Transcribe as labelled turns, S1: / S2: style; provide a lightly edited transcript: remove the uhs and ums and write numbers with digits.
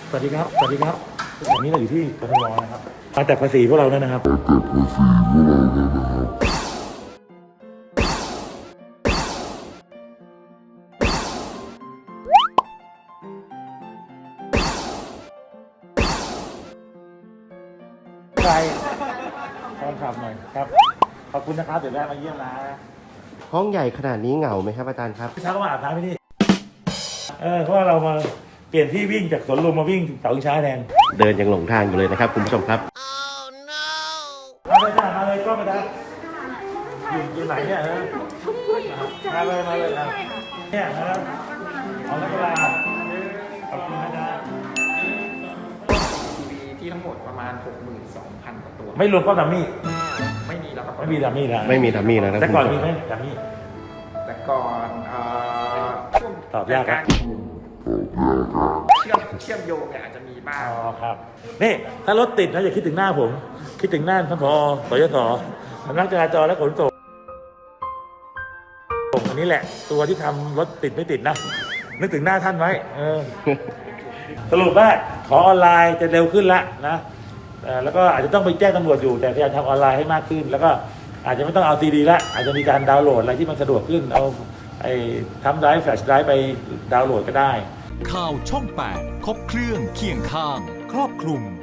S1: สวัสดีครับสวัสดีครับวันนี้เราอยู่ที่กทมนะครับมาแต่ภาษีพวกเราเนี่ยนะครับใครตอนขับหน่อยครับขอบคุณนะครับเดี๋ยวแวะมาเยี่ยมนะ
S2: ห้องใหญ่ขนาดนี้เหงาไหมครับอาจารย์ครับ
S1: เช้าก็มาอาบน้ำที่นี่เพราะว่าเรามาเปลี่ยนที่วิ่งจากสวนลุมมาวิ่งเสาชิงช้าแทน
S2: เดินยังหลงทางอยู่เลยนะครับคุณผู้ชมครับ
S1: มาเลยจ้ามาเลยก็มาได้อยู่ไหนเนี่ยมาเลยครับเนี่ยนะครับเอาแล้วเวลาขอบคุณนะจ๊ะ
S3: ทีวีที่ทั้งหมดประมาณ 62,000 กว่าตัว
S1: ไม่รวมก็ดัมมี่
S3: ไม่มีแล้วครับ
S1: ไม่มีดัมมี่นะ
S2: ไม่มีทัมมี่แล้วนะ
S1: แต่
S2: คุณ
S1: ก่อน
S2: ผู้ช
S1: มี
S2: ม
S1: ไหมดัมมี่
S3: แต่ก่อนช่วง
S1: ตอบยากครับ
S3: รเชื่อมโยงเนี่ยอาจจะมีบ้าง
S1: อ๋อครับนี่ถ้ารถติดนะอย่าคิดถึงหน้าผม คิดถึงหน้าท่านผอสยศสำนักจราจรและขนส่งอันนี้แหละตัวที่ทำรถติดไม่ติดนะนึกถึงหน้าท่านไว้สรุปว่าขอออนไลน์จะเร็วขึ้นละนะแล้วก็อาจจะต้องไปแจ้งตำรวจอยู่แต่พยายามทำออนไลน์ให้มากขึ้น แล้วก็อาจจะไม่ต้องเอาซีดีละอาจจะมีการดาวน์โหลดอะไรที่มันสะดวกขึ้นเอาทำไดรฟ์แฟลชไดรฟ์ไปดาวน์โหลดก็ได้
S4: ข่าวช่อง 8 ครบเครื่องเคียงข้าง ครอบคลุม